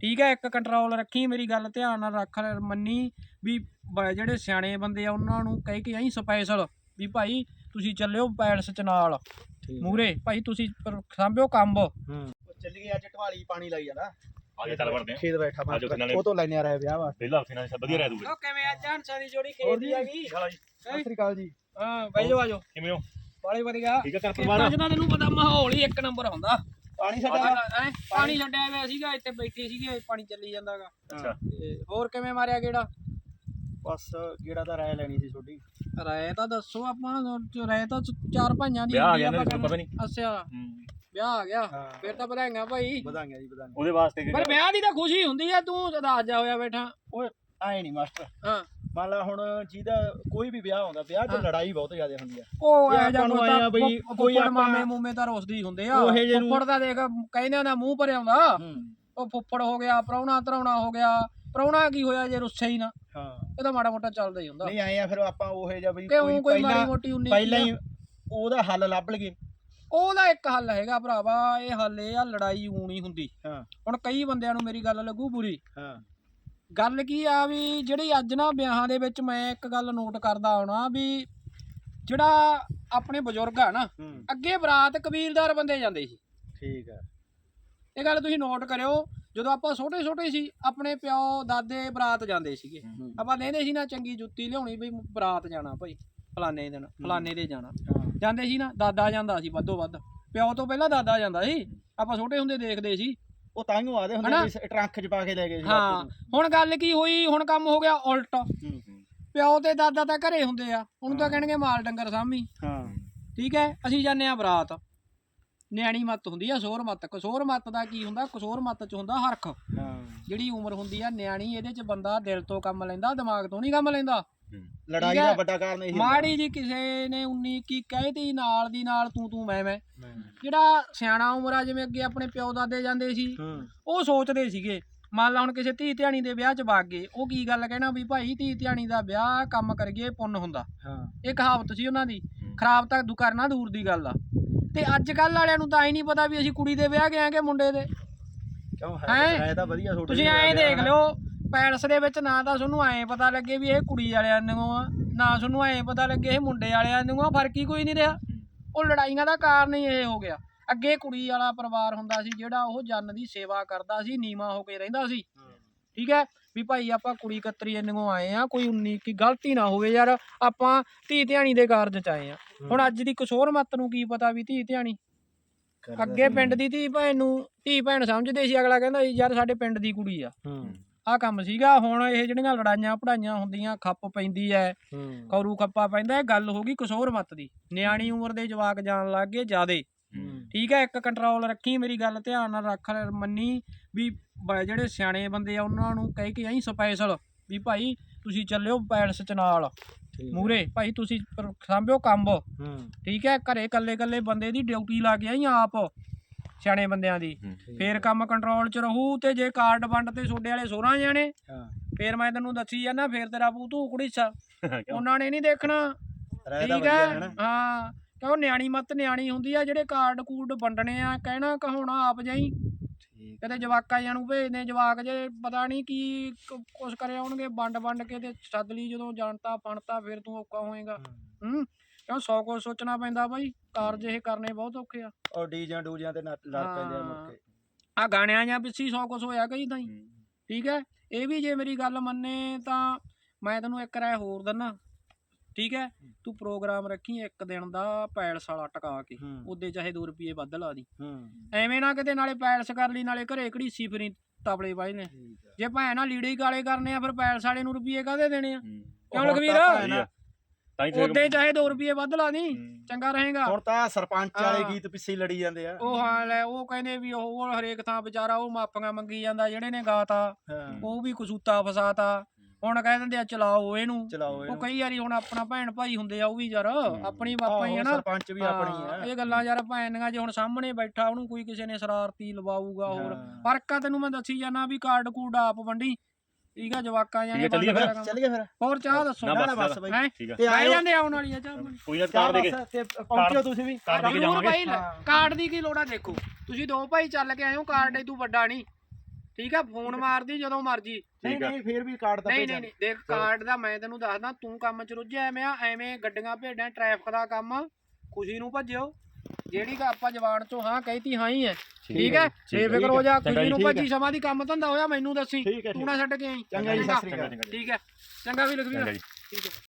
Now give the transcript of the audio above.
ठीक है। एक कंट्रोल रखी, मेरी गल ध्यान नाल रख, मन्नी भी ਜਿਹੜੇ ਸਿਆਣੇ ਬੰਦੇ ਆ ਉਹਨਾਂ ਨੂੰ ਕਹਿ ਕੇ ਆਈ ਸਪੈਸ਼ਲ ਵੀ ਭਾਈ ਤੁਸੀਂ ਚੱਲਿਓ ਪੈਲਸ ਚ ਨਾਲ ਮੂਰੇ, ਭਾਈ ਤੁਸੀਂ ਸਾਂਭਿਓ ਕੰਮ। ਚੱਲੀਏ ਅੱਜ ਢਵਾਲੀ ਪਾਣੀ ਲਾਈ ਜਾਣਾ। ਆਜੋ ਚੱਲ ਵੜਦੇ ਆ ਖੇਤ ਬੈਠਾ ਮੈਂ ਉਹ ਤੋਂ ਲੈਣੇ ਆ ਰਿਹਾ ਵਿਆਹ ਵਾ ਪਹਿਲਾਂ ਉੱਥੇ ਨਾਲ ਵਧੀਆ ਰਹਿ ਦੂਗਾ। ਉਹ ਕਿਵੇਂ ਅੱਜ ਹੰਸਾਂ ਦੀ ਜੋੜੀ ਖੇਤ ਦੀ ਹੈਗੀ। ਸਤਿ ਸ੍ਰੀ ਅਕਾਲ ਜੀ। ਹਾਂ ਬਾਈਓ ਆਜੋ। ਕਿਵੇਂ ਹੋ? ਬਾਲੇ ਵਧੀਆ। ਠੀਕ ਹੈ ਘਰ ਪਰਿਵਾਰ? ਅੱਜ ਤਾਂ ਤੈਨੂੰ ਪਤਾ ਮਾਹੌਲ ਹੀ ਇੱਕ ਨੰਬਰ ਹੁੰਦਾ। ਪਾਣੀ ਛੱਡਿਆ ਪਾਣੀ ਛੱਡਿਆ ਹੋਇਆ ਸੀਗਾ, ਇੱਥੇ ਬੈਠੇ ਸੀਗੇ, ਪਾਣੀ ਚੱਲੀ ਜਾਂਦਾਗਾ। ਅੱਛਾ ਤੇ ਹੋਰ ਕਿਵੇਂ ਮਾਰਿਆ ਗੇੜਾ? ਬਸ ਗੇੜਾ ਤਾਂ ਰਾਇ ਲੈਣੀ ਸੀ ਤੁਹਾਡੀ। ਰਾਏ ਤਾਂ ਦੱਸੋ, ਆਪਾਂ ਰਾਏ ਤਾਂ ਚਾਰ ਭਾਈਆਂ ਦੀ ਵਿਆਹ ਆ ਗਿਆ ਨਾ, ਪਤਾ ਨਹੀਂ। ਅੱਛਾ ਵਿਆਹ ਆ ਗਿਆ, ਫਿਰ ਤਾਂ ਵਧਾਈਆਂ ਭਾਈ। ਵਧਾਈਆਂ ਜੀ ਵਧਾਈਆਂ। ਉਹਦੇ ਵਾਸਤੇ ਪਰ ਵਿਆਹ ਦੀ ਤਾਂ ਖੁਸ਼ੀ ਹੁੰਦੀ ਆ, ਤੂੰ ਉਦਾਸ ਜਾ ਹੋਇਆ ਬੈਠਾ। ਓਏ ਆਏ ਨਹੀਂ ਮਾਸਟਰ। ਹਾਂ ਮੰਨ ਲਾ ਹੁਣ ਜਿਹਦਾ ਕੋਈ ਵੀ ਵਿਆਹ ਹੁੰਦਾ, ਵਿਆਹ 'ਚ ਲੜਾਈ ਬਹੁਤ ਜ਼ਿਆਦਾ ਹੁੰਦੀ ਆ। ਉਹ ਇਹ ਆਪਾਂ ਨੂੰ ਆਏ ਆ ਬਈ ਕੋਈ ਮਾਮੇ ਮੂਮੇ ਤਾਂ ਰੁੱਸਦੇ ਹੀ ਹੁੰਦੇ ਆ। ਉਹ ਜਿਹੇ ਨੂੰ- ਫੁੱਫੜ ਦਾ ਦੇਖ ਕਹਿੰਦੇ ਉਹਦਾ ਮੂੰਹ ਭਰਿਆ ਹੁੰਦਾ। ਉਹ ਫੁੱਫੜ ਹੋ ਗਿਆ, ਪ੍ਰਾਹੁਣਾ ਧਰਾਉਣਾ ਹੋ ਗਿਆ। ਪ੍ਰਾਹੁਣਾ ਕੀ ਹੋਇਆ ਜੇ ਰੁੱਸੇ ਹੀ ਨਾ? ਹਾਂ ਇਹ ਤਾਂ ਮਾੜਾ ਮੋਟਾ ਚੱਲਦਾ ਹੀ ਹੁੰਦਾ। ਨਹੀਂ ਆਏ ਆ ਫਿਰ ਆਪਾਂ ਉਹ ਜਿਹਾ ਬਈ ਕੋਈ ਮਾੜੀ ਮੋਟੀ ਉਨੀ ਪਹਿਲਾਂ ਹੀ ਉਹਦਾ ਹੱਲ ਲੱਭ ਲਈਏ। ਉਹਦਾ ਇੱਕ ਹੱਲ ਹੈਗਾ ਭਰਾਵਾ, ਇਹ ਹੱਲ ਇਹ ਆ, ਲੜਾਈ ਊਂ ਨਹੀਂ ਹੁੰਦੀ। ਹਾਂ ਹੁਣ ਕਈ ਬੰਦਿਆਂ ਨੂੰ ਮੇਰੀ ਗੱਲ ਲੱਗੂ ਬੁਰੀ। ਹਾਂ ਗੱਲ ਕੀ ਆ ਵੀ ਜਿਹੜੀ ਅੱਜ ਨਾ ਵਿਆਹਾਂ ਦੇ ਵਿੱਚ ਮੈਂ ਇੱਕ ਗੱਲ ਨੋਟ ਕਰਦਾ ਆਉਣਾ ਵੀ ਜਿਹੜਾ ਆਪਣੇ ਬਜ਼ੁਰਗ ਆ ਨਾ, ਅੱਗੇ ਬਰਾਤ ਕਬੀਲਦਾਰ ਬੰਦੇ ਜਾਂਦੇ ਸੀ। ਠੀਕ ਆ, ਇਹ ਗੱਲ ਤੁਸੀਂ ਨੋਟ ਕਰਿਓ। ਜਦੋਂ ਆਪਾਂ ਛੋਟੇ ਛੋਟੇ ਸੀ, ਆਪਣੇ ਪਿਓ ਦਾਦੇ ਬਰਾਤ ਜਾਂਦੇ ਸੀਗੇ। ਆਪਾਂ ਲੈਂਦੇ ਸੀ ਨਾ ਚੰਗੀ ਜੁੱਤੀ ਲਿਆਉਣੀ ਵੀ ਬਰਾਤ ਜਾਣਾ ਭਾਈ, ਫਲਾਣੇ ਦਿਨ ਫਲਾਣੇ ਦੇ ਜਾਣਾ। ਜਾਂਦੇ ਸੀ ਨਾ, ਦਾਦਾ ਜਾਂਦਾ ਸੀ ਵੱਧੋ ਵੱਧ, ਪਿਓ ਤੋਂ ਪਹਿਲਾਂ ਦਾਦਾ ਜਾਂਦਾ ਸੀ। ਆਪਾਂ ਛੋਟੇ ਹੁੰਦੇ ਦੇਖਦੇ ਸੀ। ਉਹ ਤਾਂਹੀਓ ਆਦੇ ਹੁੰਦੇ ਵੀ ਟਰੰਕ 'ਚ ਪਾ ਕੇ ਲੈ ਗਏ ਸੀ। ਹਾਂ ਹੁਣ ਗੱਲ ਕੀ ਹੋਈ, ਹੁਣ ਕੰਮ ਹੋ ਗਿਆ ਉਲਟ। ਪਿਓ ਤੇ ਦਾਦਾ ਤਾਂ ਘਰੇ ਹੁੰਦੇ ਆ, ਉਹਨੂੰ ਤਾਂ ਕਹਿਣਗੇ ਮਾਲ ਡੰਗਰ ਸਾਂਭੀ। ਹਾਂ ਠੀਕ ਹੈ, ਅਸੀਂ ਜਾਂਦੇ ਆ ਬਰਾਤ। ਨਿਆਣੀ ਮੱਤ ਹੁੰਦੀ ਆ ਕਸੂਰ ਮੱਤ। ਕਸੂਰ ਮੱਤ ਦਾ ਕੀ ਹੁੰਦਾ? ਕਸੂਰ ਮੱਤ ਚ ਹੁੰਦਾ ਹਰਖ। ਜਿਹੜੀ ਉਮਰ ਹੁੰਦੀ ਆ ਨਿਆਣੀ, ਇਹਦੇ ਚ ਬੰਦਾ ਦਿਲ ਤੋਂ ਕੰਮ ਲੈਂਦਾ, ਦਿਮਾਗ ਤੋਂ ਨਹੀਂ ਕੰਮ ਲੈਂਦਾ। ਲੜਾਈ ਦਾ ਵੱਡਾ ਕਾਰਨ ਇਹੀ ਮਾੜੀ ਜੀ ਕਿਸੇ ਨੇ 19 ਕੀ ਕਹਿਤੀ, ਨਾਲ ਦੀ ਨਾਲ ਤੂੰ ਮੈਂ। ਜਿਹੜਾ ਸਿਆਣਾ ਉਮਰ ਆ, ਜਿਵੇਂ ਅੱਗੇ ਆਪਣੇ ਪਿਓ ਦਾਦੇ ਜਾਂਦੇ ਸੀ, ਉਹ ਸੋਚਦੇ ਸੀਗੇ। ਮੰਨ ਲਾ ਹੁਣ ਕਿਸੇ ਧੀ ਧਿਆਣੀ ਦੇ ਵਿਆਹ ਚ ਵਗ ਗਏ, ਉਹ ਕੀ ਗੱਲ ਕਹਿਣਾ ਵੀ ਭਾਈ ਧੀ ਧਿਆਣੀ ਦਾ ਵਿਆਹ ਕੰਮ ਕਰੀਏ ਪੁੰਨ ਹੁੰਦਾ। ਇਹ ਕਹਾਵਤ ਸੀ ਉਹਨਾਂ ਦੀ। ਖਰਾਬ ਤਾਂ ਕਰਨਾ ਦੂਰ ਦੀ ਗੱਲ ਆ। ਤੇ ਅੱਜ ਕੱਲ ਵਾਲਿਆਂ ਨੂੰ ਤਾਂ ਐ ਨਹੀਂ ਪਤਾ ਵੀ ਅਸੀਂ ਕੁੜੀ ਦੇ ਵਿਆਹ ਗਏ ਕਿ ਮੁੰਡੇ ਦੇ। ਹੈ ਤਾਂ ਵਧੀਆ। ਤੁਸੀਂ ਐਂ ਦੇਖ ਲਿਓ, ਪੈਲਸ ਦੇ ਵਿੱਚ ਨਾ ਤਾਂ ਤੁਹਾਨੂੰ ਐਂ ਪਤਾ ਲੱਗੇ ਵੀ ਇਹ ਕੁੜੀ ਵਾਲਿਆਂ ਨੂੰ ਆ, ਨਾ ਤੁਹਾਨੂੰ ਐਂ ਪਤਾ ਲੱਗੇ ਇਹ ਮੁੰਡੇ ਵਾਲਿਆਂ ਨੂੰ ਆ। ਫਰਕ ਹੀ ਕੋਈ ਨਹੀਂ ਰਿਹਾ। ਉਹ ਲੜਾਈਆਂ ਦਾ ਕਾਰਨ ਹੀ ਇਹ ਹੋ ਗਿਆ। ਅੱਗੇ ਕੁੜੀ ਵਾਲਾ ਪਰਿਵਾਰ ਹੁੰਦਾ ਸੀ ਜਿਹੜਾ ਉਹ ਜੰਨ ਦੀ ਸੇਵਾ ਕਰਦਾ ਸੀ, ਨੀਵਾਂ ਹੋ ਕੇ ਰਹਿੰਦਾ ਸੀ। ਠੀਕ ਹੈ ਵੀ ਭਾਈ ਆਪਾਂ ਕੁੜੀ ਕਤਰੀ ਇੰਨੋਂ ਆਏ ਆ, ਕੋਈ 19 ਕੀ ਗਲਤੀ ਨਾ ਹੋਵੇ ਯਾਰ, ਆਪਾਂ ਧੀ ਧਿਆਣੀ ਦੇ ਕਾਰਜ ਚ ਆਏ ਆ। ਹੁਣ ਅੱਜ ਦੀ ਕਸੂਰ ਮੱਤ ਨੂੰ ਕੀ ਪਤਾ ਵੀ ਧੀ ਧਿਆਣੀ। ਅੱਗੇ ਪਿੰਡ ਦੀ ਧੀ ਭੈਣ ਸਮਝਦੇ ਸੀ। ਅਗਲਾ ਕਹਿੰਦਾ ਯਾਰ ਸਾਡੇ ਪਿੰਡ ਦੀ ਕੁੜੀ ਆ, ਆਹ ਕੰਮ ਸੀਗਾ। ਹੁਣ ਇਹ ਜਿਹੜੀਆਂ ਲੜਾਈਆਂ ਪੜਾਈਆਂ ਹੁੰਦੀਆਂ, ਖੱਪ ਪੈਂਦੀ ਐ, ਕੌਰੂ ਖੱਪਾ ਪੈਂਦਾ, ਇਹ ਗੱਲ ਹੋ ਗਈ ਕਸੂਰ ਮੱਤ ਦੀ। ਨਿਆਣੀ ਉਮਰ ਦੇ ਜਵਾਕ ਜਾਣ ਲੱਗ ਗਏ ਜ਼ਿਆਦੇ। ਠੀਕ ਹੈ, ਇੱਕ ਕੰਟਰੋਲ ਰੱਖੀ, ਮੇਰੀ ਗੱਲ ਧਿਆਨ ਨਾਲ ਰੱਖ, ਮੰਨੀ ਵੀ ਜਿਹੜੇ ਸਿਆਣੇ ਬੰਦੇ ਆ ਉਹਨਾਂ ਨੂੰ ਕਹਿ ਕੇ ਆਈ ਸਪੈਸ਼ਲ ਵੀ ਭਾਈ ਤੁਸੀਂ ਚੱਲਿਓ ਪੈਲਸ ਚ ਨਾਲ ਮੂਰੇ, ਭਾਈ ਤੁਸੀਂ ਸਾਂਭਿਓ ਕੰਮ। ਠੀਕ ਹੈ, ਘਰੇ ਕੱਲੇ ਬੰਦੇ ਦੀ ਡਿਊਟੀ ਲਾ ਕੇ ਆਈ ਆਪ, ਸਿਆਣੇ ਬੰਦਿਆਂ ਦੀ। ਫੇਰ ਕੰਮ ਕੰਟਰੋਲ ਚ ਰਹੂ। ਤੇ ਜੇ ਕਾਰਡ ਵੰਡ ਤੇ ਤੁਹਾਡੇ ਵਾਲੇ 16 ਜਾਣੇ, ਫੇਰ ਮੈਂ ਤੈਨੂੰ ਦੱਸੀ ਜਾਂਦਾ, ਫੇਰ ਤੇਰਾ ਭੂਤੂ ਕੁੜੀਸਾ ਉਹਨਾਂ ਨੇ ਨੀ ਦੇਖਣਾ। ਠੀਕ ਹੈ, ਹਾਂ ਕਿਉਂ ਨਿਆਣੀ ਮੱਤ ਨਿਆਣੀ ਹੁੰਦੀ ਆ। ਜਿਹੜੇ ਕਾਰਡ ਕੂਡ ਵੰਡਣੇ ਆ, ਕਹਿਣਾ ਕਹਾਉਣਾ ਆਪ ਜਾਈ। ਕਦੇ ਜਵਾਕਾਂ ਜਾਂ ਨੂੰ ਭੇਜਦੇ, ਜਵਾਕ ਜੇ ਪਤਾ ਨਹੀਂ ਕੀ ਕੁਛ ਕਰੇ ਆਉਣਗੇ, ਵੰਡ ਕੇ ਤੇ ਸੱਦ ਲਈ। ਜਦੋਂ ਜਾਣਤਾ ਫਣਤਾ ਫਿਰ ਤੂੰ ਔਖਾ ਹੋਏਗਾ। ਕਿਉਂ 100 ਕੁਛ ਸੋਚਣਾ ਪੈਂਦਾ ਬਾਈ, ਕਾਰਜ ਇਹ ਕਰਨੇ ਬਹੁਤ ਔਖੇ ਆ। ਉਹ ਡੀਜਾਂ ਡੂਜਿਆਂ ਤੇ ਲੜ ਪੈਂਦੇ ਆ ਮੁੜ ਕੇ। ਆ ਗਾਣਿਆਂ ਜਾਂ ਪਿੱਛੇ 100 ਕੁਛ ਹੋਇਆ ਕਈ ਤਾਂ ਹੀ। ਠੀਕ ਹੈ, ਇਹ ਵੀ ਜੇ ਮੇਰੀ ਗੱਲ ਮੰਨੇ ਤਾਂ ਮੈਂ ਤੈਨੂੰ ਇੱਕ ਰਾਏ ਹੋਰ ਦਿੰਦਾ। ਠੀਕ ਹੈ, ਤੂੰ ਪ੍ਰੋਗਰਾਮ ਰੱਖੀ ਇੱਕ ਦਿਨ ਦਾ ਪੈਲਸ ਵਾਲਾ ਟਕਾ ਕੇ, ਉਹਦੇ ਚਾਹੇ 2 ਰੁਪਏ ਵੱਧ ਲਾ ਦੀ। ਐਵੇਂ ਨਾ ਕਿਤੇ ਨਾਲੇ ਪੈਲਸ ਕਰ ਲਈ ਨਾਲੇ ਘਰੇ ਘੜੀਸੀ ਫਿਰੀ ਤਬਲੇ ਬਾਈ ਨੇ। ਜੇ ਭੈਣ ਨਾਲ ਲੀੜੇ ਹੀ ਕਾਲੇ ਕਰਨੇ ਆ, ਫਿਰ ਪੈਲਸ ਵਾਲੇ ਨੂੰ ਰੁਪਏ ਕਾਹਦੇ ਦੇਣੇ ਆ? ਕਿਉਂ ਲਖਵੀਰ? ਉਹਦੇ ਚਾਹੇ 2 ਰੁਪਏ ਵੱਧ ਲਾ ਦੀ, ਚੰਗਾ ਰਹੇਗਾ। ਹੁਣ ਤਾਂ ਸਰਪੰਚ ਵਾਲੇ ਗੀਤ ਪਿੱਛੇ ਲੜੀ ਜਾਂਦੇ ਆ। ਉਹ ਹਾਂ ਲੈ, ਉਹ ਕਹਿੰਦੇ ਵੀ ਉਹ ਹਰੇਕ ਥਾਂ ਵਿਚਾਰਾ ਉਹ ਮਾਪੀਆਂ ਮੰਗੀ ਜਾਂਦਾ, ਜਿਹੜੇ ਨੇ ਗਾਤਾ ਉਹ ਵੀ ਕਸੂਤਾ ਫਸਾਤਾ। ਹੁਣ ਕਹਿ ਦਿੰਦੇ ਆ ਚਲਾਓ ਇਹਨੂੰ। ਉਹ ਕਈ ਵਾਰੀ ਹੁਣ ਆਪਣਾ ਭੈਣ ਭਾਈ ਹੁੰਦੇ ਆ, ਉਹ ਵੀ ਯਾਰ ਆਪਣੀ ਬਾਪਾ ਹੀ ਹੈ ਨਾ, ਸਰਪੰਚ ਵੀ ਆਪਣੀ ਆ। ਇਹ ਗੱਲਾਂ ਯਾਰ ਭੈਣੀਆਂ ਜੇ ਹੁਣ ਸਾਹਮਣੇ ਬੈਠਾ ਉਹਨੂੰ ਕੋਈ ਕਿਸੇ ਨੇ ਸ਼ਰਾਰਤੀ ਲਵਾਊਗਾ। ਹੋਰ ਫਰਕ ਆ, ਤੈਨੂੰ ਮੈਂ ਦੱਸੀ ਜਾਣਾ ਵੀ ਕਾਰਡ ਕੂਡ ਆਪ ਵੰਡੀ। ਠੀਕ ਆ, ਜਵਾਕਾਂ ਜਾਨੇ ਚੱਲੀਏ ਫਿਰ। ਹੋਰ ਚਾਹ ਦੱਸੋ? ਬਸ ਬਾਈ ਤੇ ਆ ਜਾਂਦੇ ਆਉਣ ਵਾਲੀ ਆ ਚਾਹ। ਕੋਈ ਨਾ ਕਾਰਡ ਦੇ ਕੇ ਪਹੁੰਚਿਓ ਤੁਸੀਂ ਵੀ। ਕਾਰਡ ਦੀ ਕੀ ਲੋੜ ਆ? ਦੇਖੋ ਤੁਸੀਂ 2 ਭਾਈ ਚੱਲ ਕੇ ਆਏ ਹੋ, ਕਾਰਡ ਤੂੰ ਵੱਡਾ ਨਹੀਂ। ਠੀਕ ਹੈ ਫੋਨ ਮਾਰਦੀ ਜਦੋਂ ਮਰਜੀ। ਨਹੀਂ ਨਹੀਂ ਫੇਰ ਵੀ ਕਾਰਡ ਤਾਂ ਨਹੀਂ ਨਹੀਂ ਦੇਖ ਕਾਰਡ ਦਾ ਮੈਂ ਤੈਨੂੰ ਦੱਸਦਾ, ਤੂੰ ਕੰਮ ਚ ਰੁੱਝਿਆ ਐਵੇਂ ਗੱਡੀਆਂ ਭੇਡਾਂ ਟ੍ਰੈਫਿਕ ਦਾ ਕੰਮ ਖੁਸ਼ੀ ਨੂੰ ਭੱਜਿਓ। ਜਿਹੜੀ ਆਪਾਂ ਜਵਾਨ ਚੋਂ ਹਾਂ ਕਹੀਤੀ ਹਾਂ ਹੀ ਹੈ, ਠੀਕ ਹੈ ਬੇਫਿਕਰ ਹੋ ਜਾ, ਖੁਸ਼ੀ ਨੂੰ ਭੱਜੀ। ਸਮਾਂ ਦੀ ਕੰਮ ਧੰਦਾ ਹੋਇਆ ਮੈਨੂੰ ਦੱਸੀ, ਤੂੰ ਨਾ ਛੱਡ ਕੇ ਆਈ। ਚੰਗਾ ਜੀ, ਸਤਿ ਸ੍ਰੀ ਅਕਾਲ। ਠੀਕ ਹੈ ਚੰਗਾ ਵੀ ਲਖਵੀਰ, ਠੀਕ ਹੈ।